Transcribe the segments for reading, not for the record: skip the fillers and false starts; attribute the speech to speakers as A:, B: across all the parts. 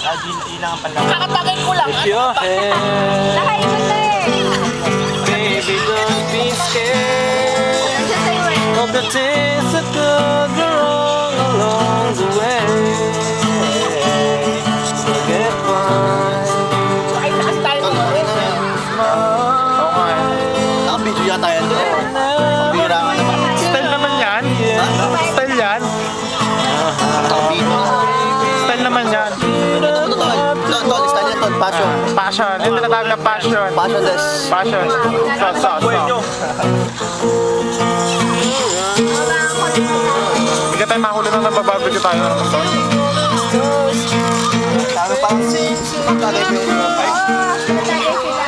A: Ilang pala.
B: Kakatagay ko lang.
C: Nakaikot na eh.
A: Baby, don't be scared
C: Nandiyan sa'yo eh.
A: of the things that could go wrong along the way. Forget fine.
B: Ay, taas tayo.
A: Oo nga eh.
D: Nakabidyo yata yan doon. Pambira nga naman.
A: Style naman yan. Style yan.
D: Nakabidyo.
A: Style naman yan.
D: Tol, style yan tol. Passion.
A: Passion. Yung tinatawag na passion.
D: Passion des.
A: Passion. So. Hindi ka tayo makahuli na nabababig tayo ng mundo.
D: Sabi pa si Pagkagay pa yung bike.
C: Nalagay sila.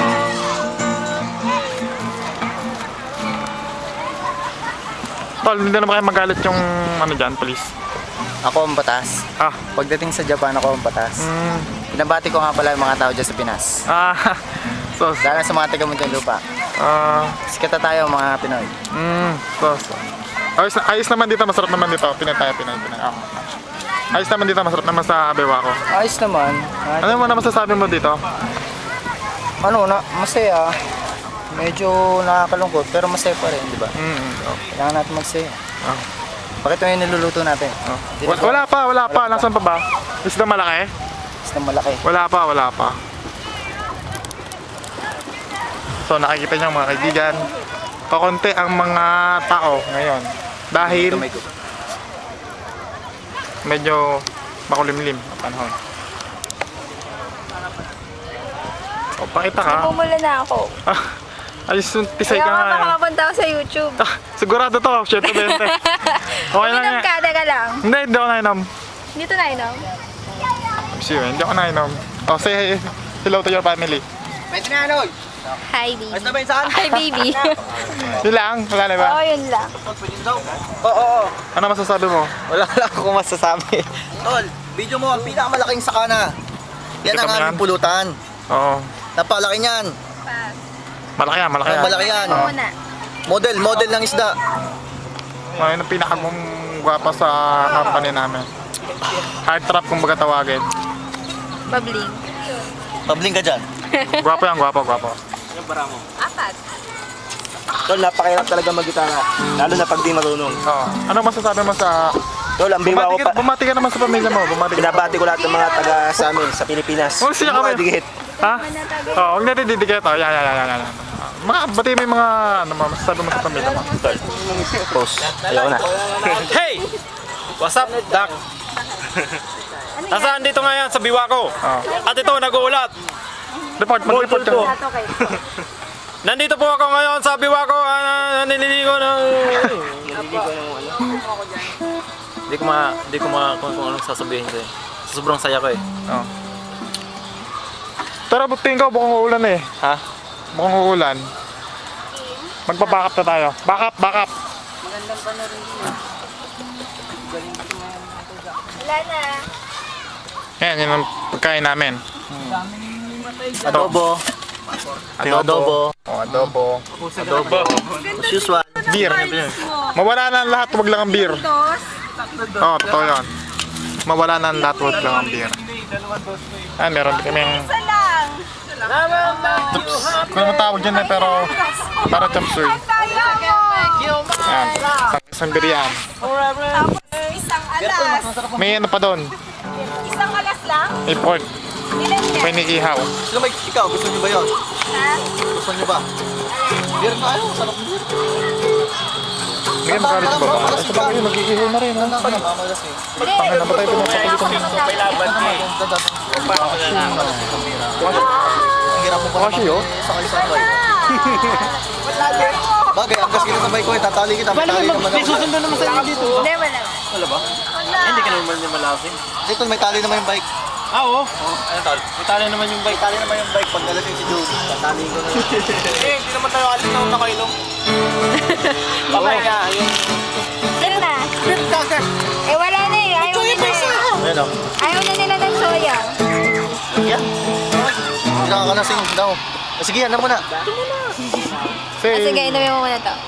A: Tol, hindi naman kayo magalit yung ano dyan, please.
D: Ako ang batas.
A: Ah.
D: Pagdating sa Japan, ako ang batas. Pinabati ko nga pala yung mga tao dyan sa Pinas.
A: So.
D: Dahil sa mga taga lupa. Sikata tayo mga Pinoy.
A: So. Ayos naman dito, masarap naman dito. Pinay. Ayos naman dito, masarap naman sa Abewa ko.
D: Ayos naman.
A: Ano mo na masasabi mo dito?
D: Masaya. Medyo nakakalungkot pero masaya pa rin, di ba? Kailangan natin magsaya. Bakit ito yung niluluto natin?
A: Wala pa. Nasaan pa ba? Isda malaki?
D: Isang malaki.
A: Wala pa. So nakikita niyo mga kaibigan, kakonti ang mga tao ngayon dahil medyo makulimlim ang panahon. O, pakita ka.
C: Pumula na ako.
A: Ayos yung tisay
C: Kaya
A: ka
C: nga
A: nga.
C: makapunta ako sa YouTube.
A: Sigurado to, 120. Okay lang
C: Uminom
A: yan.
C: ka, teka lang.
A: Hindi ako nainom.
C: Dito na inom.
A: Hindi ako nainom. Oh, say hello to your family.
D: Pwede na ano?
C: Hi, baby.
D: Ayos na ba yun saan?
C: Hi, baby.
A: Yun lang? Wala na ba?
C: Oo, yun lang.
D: Oo.
A: Ano masasabi mo?
D: Wala lang akong masasabi. Tol, video mo ang pinakamalaking sakana. Yan
A: Kita
D: ang
A: mo
D: aming
A: yan?
D: pulutan.
A: Oo.
D: Napalaki niyan.
A: Malaki yan.
D: Malaki yan.
C: Ako muna.
D: Model ng isda.
A: Ayun ang pinakamong gwapa sa company namin. Hard trap kung baga tawagin.
C: Babling.
D: Pabling ka dyan.
A: Gwapo yan, gwapo.
C: Apat.
D: Tol, napakahirap talaga mag-gitara. Lalo na pag di marunong.
A: Oo. Ano masasabi mo sa...
D: Tol, ang biwa ko pa.
A: Bumati ka naman sa pamilya mo.
D: Binabati ko lahat ng mga taga sa amin, sa Pilipinas.
A: Oh, siya kami.
D: Digit.
A: Ha? Oo, huwag natin didikit. Oh, yan. Mga, bati mo yung mga... Ano masasabi mo sa pamilya mo?
D: Tol, post. Ayaw na.
E: Hey! What's up, Doc? Nasaan dito ngayon sa biwa ko? At ito, nag-uulat.
A: Mag-report ka.
C: Ato kayo.
E: Nandito po ako ngayon sa biwa ko. Nililigo ng... Hindi ko kung anong sasabihin ko eh. Sobrang saya ko eh.
A: Oo. Tara, buting ka. Bukang uulan eh.
E: Ha?
A: Bukang uulan. Magpa-back up na tayo. Back up.
C: Wala na.
A: Yan ang pagkain namin.
D: Adobo.
A: Adobo.
D: As usual.
A: Beer. Mawala na ang lahat, wag lang ang beer. Oo, totoo yun. Mawala na ang lahat, wag lang ang beer. Meron din kaming...
C: Isa lang.
A: Kung naman tawag dyan eh, pero... Para chop suey. Yan. Isang beer yan.
C: Tapos isang alas.
A: May ano pa doon.
C: Isang alas lang?
A: Import.
C: Ilan yan?
A: May niihaw.
D: Ikaw, gusto niyo ba yun?
C: Ha?
D: Gusto niyo ba? Beer na ayaw, sarap ng beer.
A: Bigyan mo kalit ba? Sa bagay, mag-iihaw na rin.
D: Mamalas eh.
A: Pangin na ba tayo pinapatuloy ko?
D: Ang hirap mo pa
A: Kasi yun?
D: sakay sa bike. Bagay, ang gas kita sa bike ko eh, tatali kita. May naman ako.
E: Susundo naman sa inyo dito.
C: Hindi, wala.
D: Wala ba?
E: Hindi ka naman malasin.
D: Dito may tali naman yung bike.
E: Oo. Ano tol? Itali naman yung bike.
D: Tali naman yung bike pag nalasing si Joe. Tatali ko na.
E: Hindi naman tayo alis na nakainom. Babay nga.
C: Sino na? Eh, wala na eh. Ayaw na nila.
D: Ayan o.
C: Ayaw na nila ng soya.
D: Yan. Hindi nakakalasing daw. Sige, yan na muna.
C: Sige, inumin mo muna to.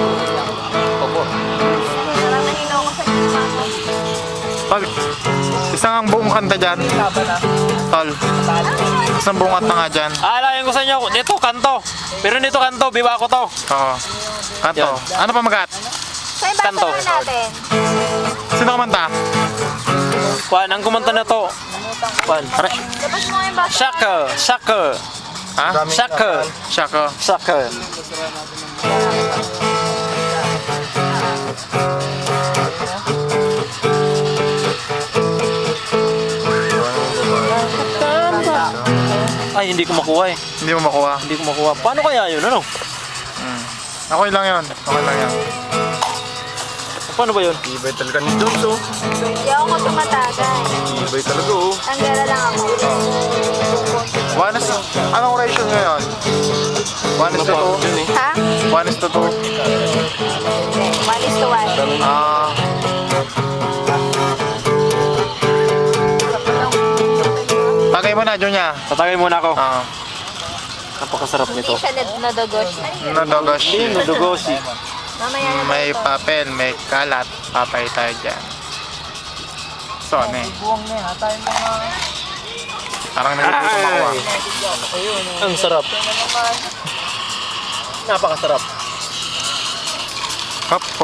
D: Opo.
C: Parang nahilo ako sa gitna ko.
A: Pag Isang buong kanta dyan. Tol. Isang buong kanta nga dyan.
E: Aalayan ko sa inyo, dito kanto. Pero dito kanto, biwa ko to.
A: Oo. Kanto.
E: Yan.
A: Ano pa magat?
C: So, yung basa
E: Kanto.
C: naman natin.
A: Sino kumanta?
E: Kwan, ang kumanta na to. Kwan.
C: Labas mo yung basa.
E: Shaka.
A: Ha?
E: Shaka.
A: Shako.
E: Shaka. Ay, hindi ko makuha eh.
A: Hindi mo makuha.
E: Hindi ko makuha. Paano kaya yun? Ano?
A: Okay lang yun. Okay lang yan.
E: Paano ba yun?
D: Ibay talaga ni Jones, oh.
C: Hindi ako tumatagal.
D: Ibay talaga, oh.
C: Tanggala lang ako.
A: Anong ratio ngayon? 1 is to 2?
C: Ha?
A: 1 is to 2?
C: Hindi. 1:1.
A: Ah. Tagay mo na, Junya.
E: Tatagay muna ako.
A: Ah.
E: Napakasarap
C: Hindi
E: nito.
C: siya nadogos.
A: Nadogosh.
E: Nudugosi.
C: Mamaya na
A: May
C: to.
A: papel, may kalat. Papay tayo dyan. So, ano eh. Parang nagugutom ako ah.
E: Ang sarap. Napakasarap.
A: Kapo.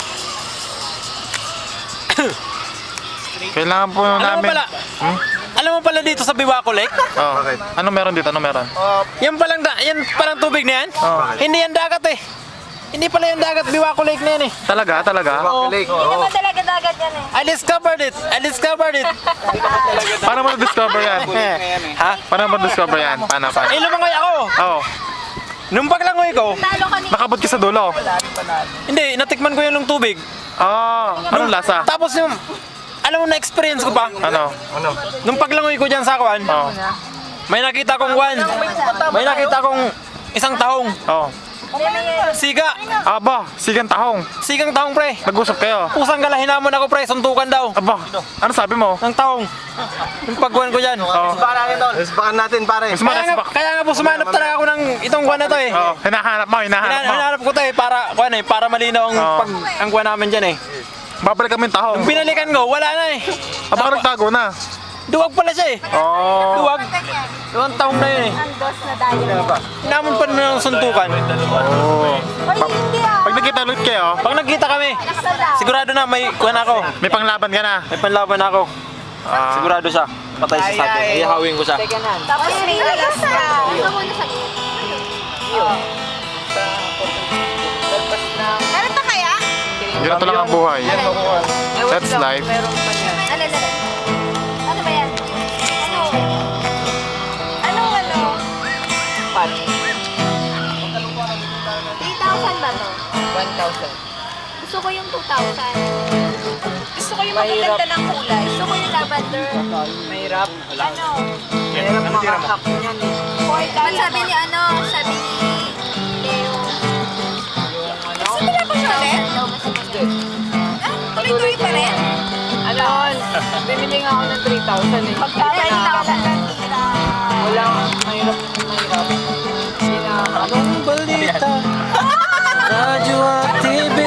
A: Kailangan po
E: Alam mo
A: namin.
E: pala, alam mo pala dito sa Biwako Lake?
A: Oh. Ano meron dito? Ano meron?
E: Yan palang tubig na yan?
A: Oh.
E: Hindi yan dagat eh. Hindi pala yung dagat Biwako Lake na yan eh.
A: Talaga? Talaga?
C: Hindi naman talaga dagat yan eh.
E: I discovered it.
A: Paano mo na-discover yan?
E: Ha?
A: Paano mo na-discover yan? Paano?
E: Eh, lumangoy ako.
A: Oo.
E: Nung paglangoy ko,
C: Talo ka ni.
A: Nakabot ka sa dulo.
E: hindi, natikman ko yung tubig.
A: Ah, anong lasa?
E: Tapos yung, alam mo na-experience ko pa,
A: Ano?
E: nung paglangoy ko dyan sa kuwan,
A: Oh.
E: may nakita kong isang tahong.
A: Oh.
E: Siga.
A: Aba, sigang tahong.
E: Sigang tahong pre.
A: Nag-usap kayo.
E: Pusang galahin namon ako pre, suntukan daw.
A: Aba, ano sabi mo?
E: Ng tahong. Yung pagkuhan ko dyan.
A: Oh.
D: Respakan natin, pare.
A: Mas maras ba?
E: Kaya nga po sumanap talaga ako ng itong kuwan na to eh.
A: Oh, hinahanap mo.
E: Hinahanap ko to eh para malinaw ang
A: Oo.
E: ang kuwan namin dyan eh.
A: Babalik kami yung tahong.
E: Nung binalikan ko, wala na eh.
A: Aba, nagtago na.
E: Duwag pala siya eh.
A: Oh.
E: Duwag. Yung tahong na yun eh.
C: Ang dos na tayo.
E: Namon pa naman ang suntukan.
A: Oh.
C: Ay, hindi ah.
A: Pag nakita ulit kayo,
E: Pag nagkita kami,
C: Nakasala.
E: sigurado na may kuwan ako.
A: may panglaban ka na.
E: May panlaban ako.
A: Ah.
E: Sigurado siya. Patay siya sa akin. Ihawin ko siya.
C: Tapos may alas na. Ito muna sa Meron pa kaya?
A: Ganito lang ang buhay. That's life.
C: Ano? Ano ba yan? Ano? Ano? 3,000 ba to? 1,000. Gusto ko yung 2,000. Gusto ko yung magaganda ng kulay. Gusto ko yung lavender.
B: Mahirap.
C: Ano?
B: Mahirap makahak niyan eh.
C: Ba't sabi ni ano? Sabi ni Leo. Gusto nila ba siya ulit? Ah, tuloy-tuloy pa rin?
B: Ano? Bibili nga ako ng 3,000 eh.
C: Pagkabay na
B: Wala. Mahirap. Hindi na
E: Anong balita? Radyo at TV.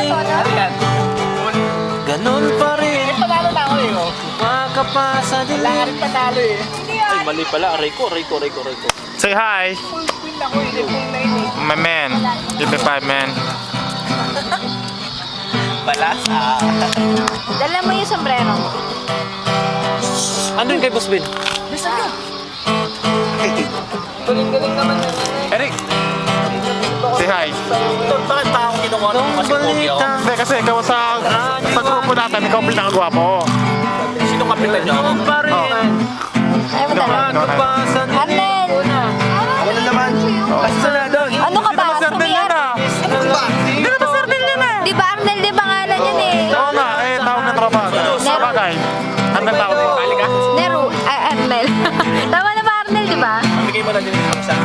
E: Ganun pa rin.
B: Panalo na ako eh. Oh.
E: Makapasa din.
B: Lahat panalo eh.
E: Ay, mali pala. Rico.
A: Say hi.
B: Win ako eh. Hindi ko na yun eh.
A: My man. Give me 5 man.
C: Dala mo yung sombrero mo.
E: Ano yung kay Boss Ben?
B: Galing-galing naman na
A: Eric. Say hi.
E: Bakit pa ako kinukuha ng kasi pogi ako?
A: Hindi, kasi ikaw sa grupo natin, ikaw ang pinakagwapo.
E: Sino kapitan niyo? Ganun pa rin.
C: Ayaw mo dala.
E: Makapasa din.
C: Arnel!
D: Ano naman?
E: Basta na doon.
C: Ano ka ba?
A: Sardin yan ah.
C: Di ba Arnel din pangalan yan eh?
A: Oo nga, eh, tawag ng tropa. Sabagay. Ano tawag mo?
C: Nero. Arnel. Tama na ba Arnel, di ba?
E: Bigay mo lang din yung isa.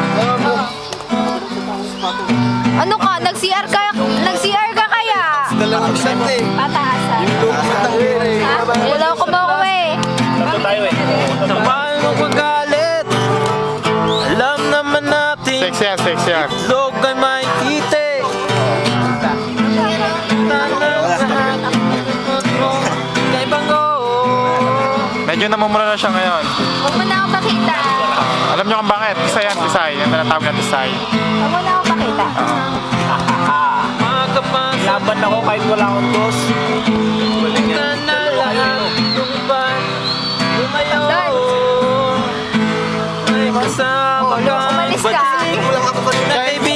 C: Ano ka? Nag-CR ka kaya?
D: Dalawang set eh.
C: Pataasan. Ha? Niloko mo ko eh.
E: Tatlo tayo eh. Samahan mo paggalit. Alam naman natin.
A: Sexy yan.
E: Log ay may kite. Tanang sa akin mo. Kay Bango.
A: Medyo na siya ngayon.
C: Huwag mo na ako pakita.
A: Alam niyo kung bakit? Tisay yan, tisay. Yan tinatawag na tisay.
C: Huwag mo na ako pakita.
E: Laban ako kahit wala akong dos. Balik ka na lang yung ban. Lumayo. Ay kasama ka.
C: Umalis ka.
E: Na kaibigan